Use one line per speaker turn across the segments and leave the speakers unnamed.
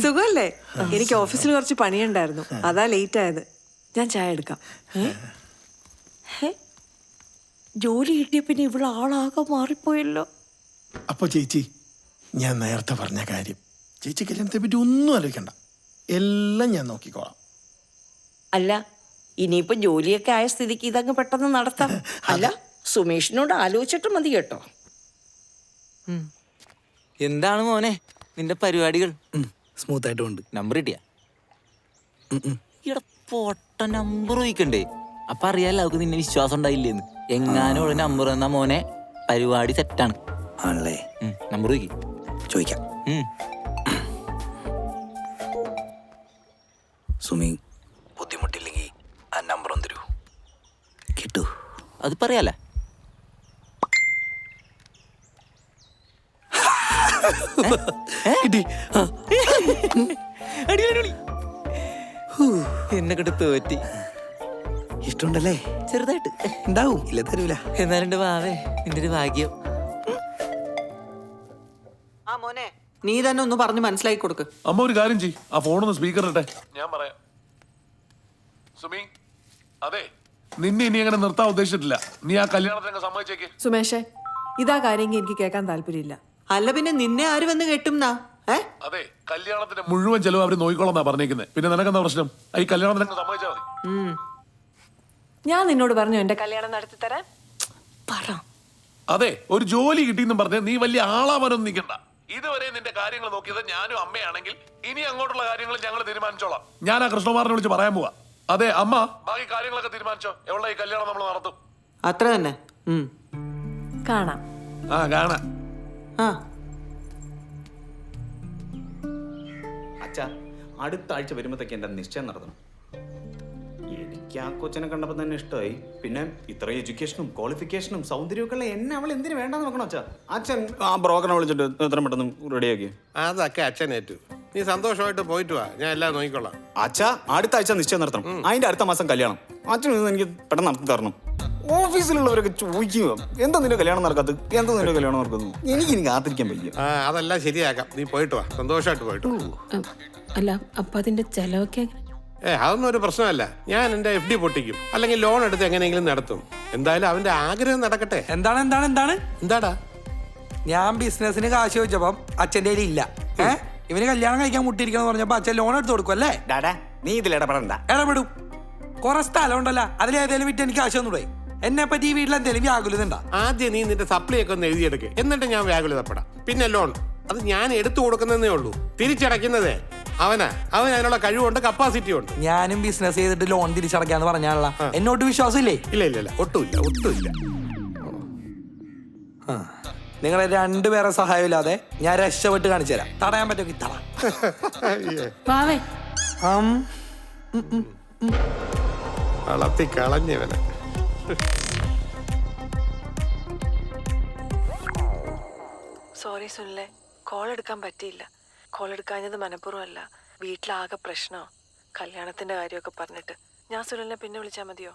സുഖല്ലേ? എനിക്ക് ഓഫീസിൽ കുറച്ച് പണിയുണ്ടായിരുന്നു, അതാ ലേറ്റ് ആയത്. ഞാൻ ചായ എടുക്കാം. ജോലി കിട്ടിയ പിന്നെ ഇവിടെ ആളാകെ മാറിപ്പോയല്ലോ.
അപ്പൊ ചേച്ചി, ഞാൻ നേരത്തെ പറഞ്ഞ കാര്യം, ചേച്ചി കല്യാണത്തെ പറ്റി ഒന്നും ആലോചിക്കണ്ട, എല്ലാം ഞാൻ നോക്കിക്കോളാം.
അല്ല, ഇനിയിപ്പോ ജോലിയൊക്കെ ആയ സ്ഥിതിക്ക് ഇതങ്ങ് പെട്ടെന്ന് നടത്താം. അല്ല, സുമേഷിനോട് ആലോചിച്ചിട്ട് മതി കേട്ടോ.
എന്താണ് മോനെ നിന്റെ പരിപാടികൾ?
സ്മൂത്ത് ആയിട്ട് ഉണ്ട്.
നമ്പർ കിട്ടിയ ഇവിടെ പൊട്ട നമ്പർ ചോദിക്കണ്ടേ? അപ്പൊ അറിയാലോ അവർക്ക് നിന്നെ വിശ്വാസം ഉണ്ടായില്ലേന്ന്. എങ്ങാനും ഉള്ള നമ്പർ തന്നാ മോനെ പരിപാടി സെറ്റാണ്.
ആണല്ലേ?
നമ്പർ
ചോദിക്കാം. സുമി, ബുദ്ധിമുട്ടില്ലെങ്കിൽ ആ നമ്പർ ഒന്ന് തരൂ. കിട്ടൂ?
അത് പറയാലേ. എന്നെ കിട്ട് തോറ്റി.
ഇഷ്ടമുണ്ടല്ലേ?
ചെറുതായിട്ട്
ഉണ്ടാവും, ഇല്ല തരൂല.
എന്നാലുണ്ട് വാവേ, നിന്റെ ഒരു ഭാഗ്യം.
ആ മോനെ, നീ തന്നെ ഒന്ന് പറഞ്ഞ് മനസ്സിലാക്കി കൊടുക്ക്.
അമ്മ ഒരു കാര്യം ചെയ്യ്, ആ ഫോണൊന്ന് സ്പീക്കർ ഇട്ടെ, ഞാൻ പറയാം. സുമി, അതെ, നിന്നെ ഇനി അങ്ങനെ നിർത്താൻ ഉദ്ദേശിച്ചിട്ടില്ല. നീ ആ കല്യാണത്തിനൊക്കെ സമ്മതിച്ചേക്ക്.
സുമേഷേ, ഇതാ കാര്യമെങ്കിൽ എനിക്ക് കേൾക്കാൻ താല്പര്യമില്ല. അല്ല പിന്നെ നിന്നെ ആര് വന്ന് കെട്ടുംന്നാ?
അതെ, കല്യാണത്തിന്റെ മുഴുവൻ ചെലവ് അവര് നോക്കിക്കോളാന്നാ പറഞ്ഞേക്കുന്നത്. പിന്നെ നിനക്കെന്താ പ്രശ്നം? ഈ കല്യാണത്തിനൊക്കെ സമ്മതിച്ചാൽ മതി.
ഞാൻ നിന്നോട് പറഞ്ഞു എന്റെ കല്യാണം നടത്തി തരാൻ.
അതെ, ഒരു ജോലി കിട്ടിയെന്നും പറഞ്ഞ് നീ വലിയ ആളാവാനൊന്നും നിൽക്കണ്ട. ഇതുവരെ നിന്റെ കാര്യങ്ങൾ നോക്കിയത് ഞാനും അമ്മയാണെങ്കിൽ ഇനി അങ്ങോട്ടുള്ള കാര്യങ്ങൾ ഞങ്ങൾ തീരുമാനിച്ചോളാം. ഞാൻ ആ കൃഷ്ണകുമാറിനെ വിളിച്ച് പറയാൻ പോവാ. അതെ അമ്മ, ബാക്കി കാര്യങ്ങളൊക്കെ തീരുമാനിച്ചോ. എവിടെ ഈ കല്യാണം നമ്മൾ നടത്തും.
അത്ര തന്നെ. കാണാം.
കാണാം.
അച്ഛാ, അടുത്ത ആഴ്ച വരുമ്പോഴത്തേക്ക് എൻ്റെ നിശ്ചയം നടത്തണം. എനിക്ക് ആ കൊച്ചിനെ കണ്ടപ്പോൾ തന്നെ ഇഷ്ടമായി. പിന്നെ ഇത്ര എഡ്യൂക്കേഷനും ക്വാളിഫിക്കേഷനും സൗന്ദര്യമൊക്കെ ഉള്ള എന്നെ അവൾ എന്തിനു വേണ്ടെന്ന് നോക്കണം അച്ഛാ. അച്ഛൻ ആ ബ്രോക്കറിനെ വിളിച്ചിട്ട് എത്ര പെട്ടെന്ന് റെഡിയാക്കി.
അതൊക്കെ അച്ഛനേറ്റു. നീ സന്തോഷമായിട്ട് പോയിട്ട് വാ, ഞാൻ എല്ലാം നോക്കിക്കൊള്ളാം.
അച്ഛാ, അടുത്ത ആഴ്ച നിശ്ചയം നടത്തണം. അതിന്റെ അടുത്ത മാസം കല്യാണം. അച്ഛൻ എനിക്ക് പെട്ടെന്ന് നടത്തി തരണം. ഓഫീസിലുള്ളവരൊക്കെ ചോദിക്കുക, എന്താ നിന്റെ കല്യാണം നടക്കാത്തത്, എന്താ നിന്റെ കല്യാണം നടക്കുന്നത്. എനിക്ക് കാത്തിരിക്കാൻ പറ്റില്ല.
അതെല്ലാം ശരിയാക്കാം, നീ പോയിട്ട് വാ, സന്തോഷമായിട്ട് പോയിട്ട്.
അല്ല, അപ്പൊ അതിന്റെ ചെലവൊക്കെ
അതൊന്നും ഒരു പ്രശ്നമല്ല. ഞാൻ എന്റെ FD പൊട്ടിക്കും, അല്ലെങ്കിൽ ലോൺ എടുത്ത് എങ്ങനെയെങ്കിലും നടത്തും. എന്തായാലും അവന്റെ ആഗ്രഹം നടക്കട്ടെ.
എന്താടാ? ഞാൻ ബിസിനസിന് കാശ് ചോദിച്ചപ്പം അച്ഛൻ്റെ ഇല്ല. ഇവന് കല്യാണം കഴിക്കാൻ മുട്ടിയിരിക്കണം പറഞ്ഞപ്പോ അച്ഛൻ ലോൺ എടുത്ത് കൊടുക്കും അല്ലേ?
നീ ഇതിൽ ഇടപെടണ്ട.
ഇടപെടും. കുറെ സ്ഥലം ഉണ്ടല്ലോ, അതിലേതെങ്കിലും വിറ്റ് എനിക്ക് കാശ് തന്നൂടെ? എന്നെ പറ്റി ഈ വീട്ടിൽ എന്തെങ്കിലും വ്യാകുലതുണ്ടാ?
ആദ്യം നീ നിന്റെ സപ്ലൈ ഒക്കെ ഒന്ന് എഴുതിയെടുക്ക്, എന്നിട്ട് ഞാൻ വ്യാകുലതപ്പെടാം. പിന്നെ ലോൺ അത് ഞാൻ എടുത്തു കൊടുക്കുന്നതേ ഉള്ളൂ, തിരിച്ചടയ്ക്കുന്നതേ അവൻ അതിനുള്ള കഴിവുണ്ട്, കപ്പാസിറ്റി ഉണ്ട്.
ഞാനും ബിസിനസ് ചെയ്തിട്ട് ലോൺ തിരിച്ചടക്കാന്ന് പറഞ്ഞാലുള്ള എന്നോട്ട് വിശ്വാസം ഇല്ലേ?
ഇല്ല, ഒട്ടുമില്ല.
നിങ്ങളെ രണ്ടുപേരെ സഹായം ഇല്ലാതെ ഞാൻ രക്ഷപ്പെട്ട് കാണിച്ചു തരാം. തടയാൻ പറ്റുമെങ്കിൽ തടാം.
വളർത്തി കളഞ്ഞവനെ.
സോറി സുനിലെ, കോൾ എടുക്കാൻ പറ്റിയില്ല. കോൾ എടുക്കാഞ്ഞത് മനഃപൂർവ്വമല്ല, വീട്ടിലാകെ പ്രശ്നമോ, കല്യാണത്തിന്റെ കാര്യമൊക്കെ പറഞ്ഞിട്ട്. ഞാൻ സുനിലിനെ പിന്നെ വിളിച്ചാൽ മതിയോ?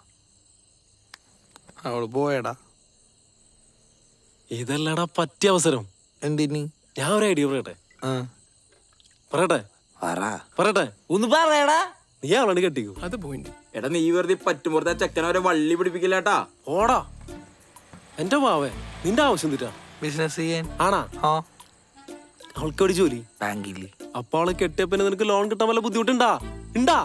അവള് പോയടാ. ഇതല്ലടാ പറ്റിയ അവസരം.
എന്തിന്?
ഞാൻ ഒരു ഐഡിയ പറയട്ടെ.
ഒന്ന് പറയടാ.
നീ അവളാണ് കെട്ടിക്കോ.
അത് പോയിന്റ്.
എടാ, നീ വെറുതെ പറ്റുമ്പോഴത്തെ ചെക്കനവരെ വള്ളി പിടിപ്പിക്കില്ലാട്ടാ.
ഓടാ എന്റെ മാവേ, നിന്റെ ആവശ്യം തീറ്റാ
ബിസിനസ് ചെയ്യാൻ.
ആണാ? അവൾക്ക് ഒരു ജോലി
ബാങ്കിൽ.
അപ്പൊ അവളെ കെട്ടിയപ്പോ നിനക്ക് ലോൺ കിട്ടാൻ വല്ല ബുദ്ധിമുട്ടുണ്ടാ?
ഇല്ല.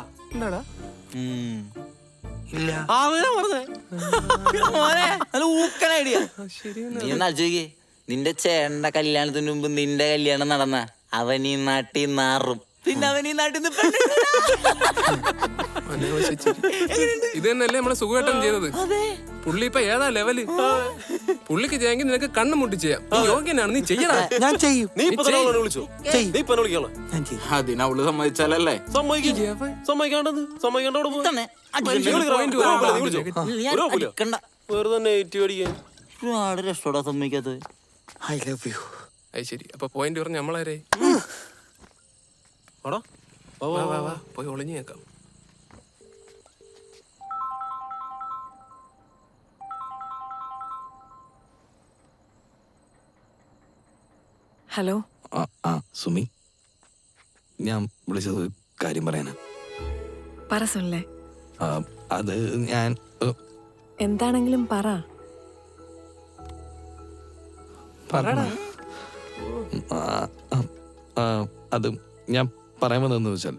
നീ ഒന്ന് ആലോചിക്കേ, നിന്റെ ചേട്ടന്റെ കല്യാണത്തിന് മുമ്പ് നിന്റെ കല്യാണം നടന്ന അവൻ ഈ നാട്ടിൽ നാറും, പിന്നെ അവൻ ഈ നാട്ടിൽ
ഇത് തന്നെയല്ലേ നമ്മളെ സുഖമായിട്ടും ചെയ്തത്. പുള്ളി ഇപ്പൊ ഏതാ ലെവല്. പുള്ളിക്ക് ചെയ്യാമെങ്കിൽ നിനക്ക് കണ്ണു മുട്ടി ചെയ്യാം. നീ യോഗ്യനാണ്, നീ ചെയ്യണം.
ഞാൻ ചെയ്യും.
അതിനവള് സമ്മതിച്ചാലല്ലേ?
ഒരുപാട് രക്ഷോടാ സമ്മതിക്കാത്തത്.
I love you.
അത് ശരി, അപ്പൊ പോയിന്റ് പറഞ്ഞ നമ്മളാരേ? പോയി ഒളിഞ്ഞു കേൾക്കാം.
ഹലോ.
സുമി,
ഞാൻ വിളിച്ചത് ഒരു കാര്യം പറയാനാ.
പറ സുനിലെ.
അത് ഞാൻ
എന്താണെങ്കിലും പറ.
അത് ഞാൻ പറയാൻ വന്നതെന്ന് വെച്ചാൽ,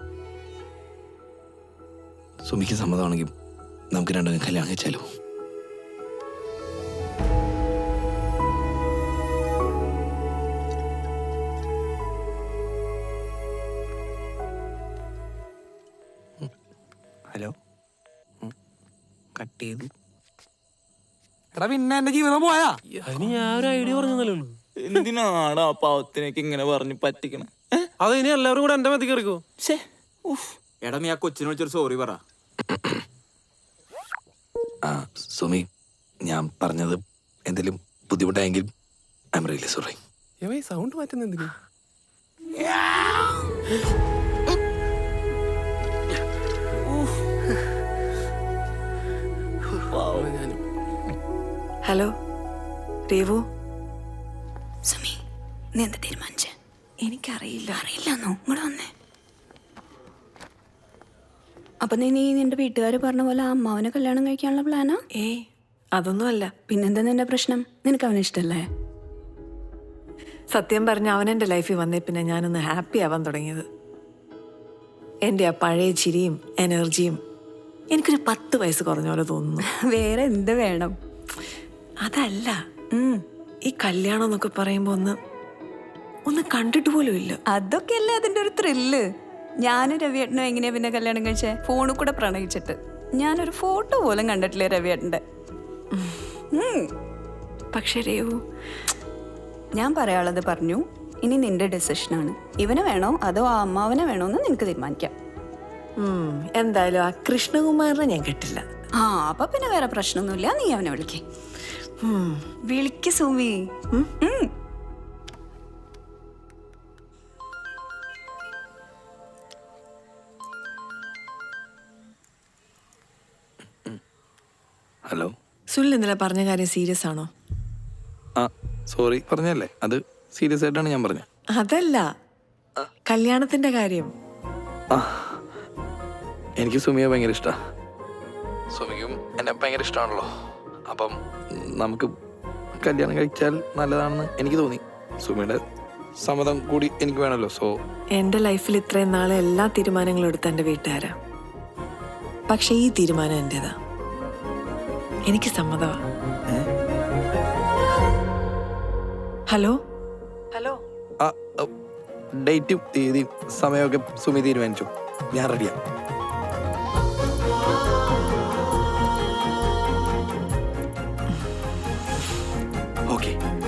സുമിക്ക് സമ്മതമാണെങ്കിൽ നമുക്ക് രണ്ടും കല്യാണം കഴിച്ചാലോ? ഹലോ, കട്ട് ചെയ്തു. എടാ പിന്നെ എന്റെ ജീവിതം പോയാ?
അതിന് ഞാൻ ഒരു ഐഡിയ പറഞ്ഞതല്ലേ ഉള്ളൂ.
എന്തിനാണ് ആ പാവത്തിനൊക്കെ ഇങ്ങനെ പറഞ്ഞ് പറ്റിക്കണം?
അത് ഇനി എല്ലാവരും കൂടെ എന്റെ മതി കയറിക്കോ.
എടാ നീ ആ കൊച്ചിനെ വിളിച്ചൊരു സോറി പറ.
സുമി, ഞാൻ പറഞ്ഞത് എന്തെങ്കിലും ബുദ്ധിമുട്ടായെങ്കിൽ I am really sorry.
Sound മാറ്റുന്ന എന്തിനാ?
ഹലോ രേവു.
സുമി, നീ എന്താ തീരുമാനിച്ചേ?
എനിക്കറിയില്ല.
അറിയില്ലെന്നോ? ഇങ്ങോട്ട് വന്നേ. അപ്പൊ നീ നിന്റെ വീട്ടുകാർ പറഞ്ഞ പോലെ ആ അമ്മാവനെ കല്യാണം കഴിക്കാനുള്ള പ്ലാനാ?
അതൊന്നുമല്ല.
പിന്നെന്താ നിന്റെ പ്രശ്നം? നിനക്ക് അവനെ ഇഷ്ടല്ലേ?
സത്യം പറഞ്ഞ അവനെൻ്റെ ലൈഫിൽ വന്നേ പിന്നെ ഞാനൊന്ന് ഹാപ്പി ആവാൻ തുടങ്ങിയത്. എൻ്റെ ആ പഴയ ചിരിയും എനർജിയും എനിക്കൊരു 10 വയസ്സ് കുറഞ്ഞ പോലെ തോന്നുന്നു.
വേറെ എന്ത് വേണം?
അതല്ല, ഈ കല്യാണം എന്നൊക്കെ പറയുമ്പോൾ ഒന്ന് കണ്ടിട്ട് പോലും ഇല്ല.
അതൊക്കെയല്ലേ അതിന്റെ ഒരു ത്രില്ല്. ഞാനും രവിയേട്ടനും എങ്ങനെയാ പിന്നെ കല്യാണം കഴിച്ചേ? ഫോണിൽ കൂടെ പ്രണയിച്ചിട്ട്. ഞാനൊരു ഫോട്ടോ പോലും കണ്ടിട്ടില്ലേ രവിയേട്ടൻ്റെ.
പക്ഷേ രേവു,
ഞാൻ പറയാനുള്ളത് പറഞ്ഞു. ഇനി നിന്റെ ഡെസിഷനാണ്. ഇവനെ വേണോ അതോ ആ അമ്മാവനെ വേണോ എന്ന് നിനക്ക് തീരുമാനിക്കാം.
എന്തായാലും ആ കൃഷ്ണകുമാറിനെ ഞാൻ കിട്ടില്ല.
അപ്പൊ പിന്നെ വേറെ പ്രശ്നമൊന്നുമില്ല. നീ അവനെ വിളിക്കേ. വിളിക്ക് സുമി.
ഹലോ
സുനിൽ ഇന്നലെ പറഞ്ഞ കാര്യം സീരിയസ് ആണോ?
സോറി പറഞ്ഞല്ലേ, അത് സീരിയസ് ആയിട്ടാണ് ഞാൻ പറഞ്ഞത്.
അതല്ല, കല്യാണത്തിന്റെ കാര്യം.
എനിക്ക് സുമിയെ ഭയങ്കര ഇഷ്ടമാണ്. സുമിക്കും എന്നെ ഭയങ്കര ഇഷ്ടമാണല്ലോ. അപ്പം നമുക്ക് കല്യാണം കഴിച്ചാൽ നല്ലതാണെന്ന് എനിക്ക് തോന്നി. സുമിയുടെ സമ്മതം കൂടി എനിക്ക് വേണമല്ലോ. സോ
എൻ്റെ ലൈഫിൽ ഇത്രയും നാളെ എല്ലാ തീരുമാനങ്ങളും എടുത്ത എൻ്റെ വീട്ടുകാരാ. പക്ഷെ ഈ തീരുമാനം എൻ്റെതാ. എനിക്ക് സമ്മതമാ. ഹലോ ഹലോ,
ഡേറ്റും തീയതിയും സമയമൊക്കെ സുമി തീരുമാനിച്ചു. ഞാൻ റെഡിയാണ്. ഓക്കെ.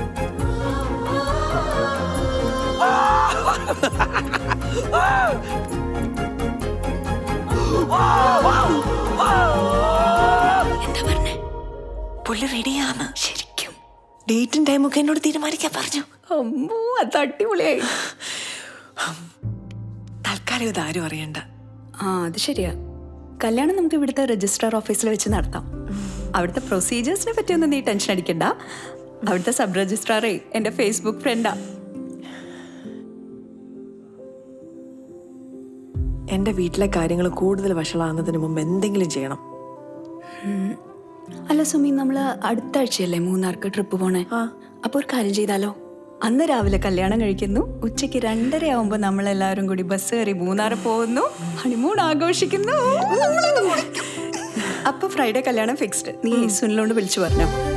എന്താ പറഞ്ഞേ?
പുള്ളി റെഡിയാണ്.
ശരിക്കും
ഡേറ്റും ടൈമൊക്കെ എന്നോട് തീരുമാനിക്കാൻ പറഞ്ഞു.
അമ്മോ, അത് അടിപൊളിയായി.
തൽക്കാലം ഇതാരും അറിയണ്ട.
അത് ശരിയാ. കല്യാണം നമുക്ക് ഇവിടുത്തെ രജിസ്ട്രാർ ഓഫീസിൽ വെച്ച് നടത്താം. അവിടുത്തെ പ്രൊസീജിയേഴ്സിനെ പറ്റിയൊന്നും നീ ടെൻഷൻ അടിക്കണ്ട. അവിടുത്തെ സബ് രജിസ്ട്രാറേ എൻ്റെ ഫേസ്ബുക്ക് ഫ്രണ്ടാ.
എൻ്റെ വീട്ടിലെ കാര്യങ്ങൾ കൂടുതൽ വഷളാകുന്നതിന് മുമ്പ് എന്തെങ്കിലും ചെയ്യണം.
അല്ല സുമി, നമ്മൾ അടുത്ത ആഴ്ചയല്ലേ മൂന്നാർക്ക് ട്രിപ്പ് പോണേ? അപ്പോൾ ഒരു കാര്യം ചെയ്താലോ? അന്ന് രാവിലെ കല്യാണം കഴിക്കുന്നു, ഉച്ചയ്ക്ക് 2:30 ആവുമ്പോൾ നമ്മളെല്ലാവരും കൂടി ബസ് കയറി മൂന്നാറ് പോകുന്നു, ഹണിമൂൺ ആഘോഷിക്കുന്നു. അപ്പൊ ഫ്രൈഡേ കല്യാണം ഫിക്സ്ഡ്. നീ സുനിലോണ്ട് വിളിച്ചു പറഞ്ഞോ.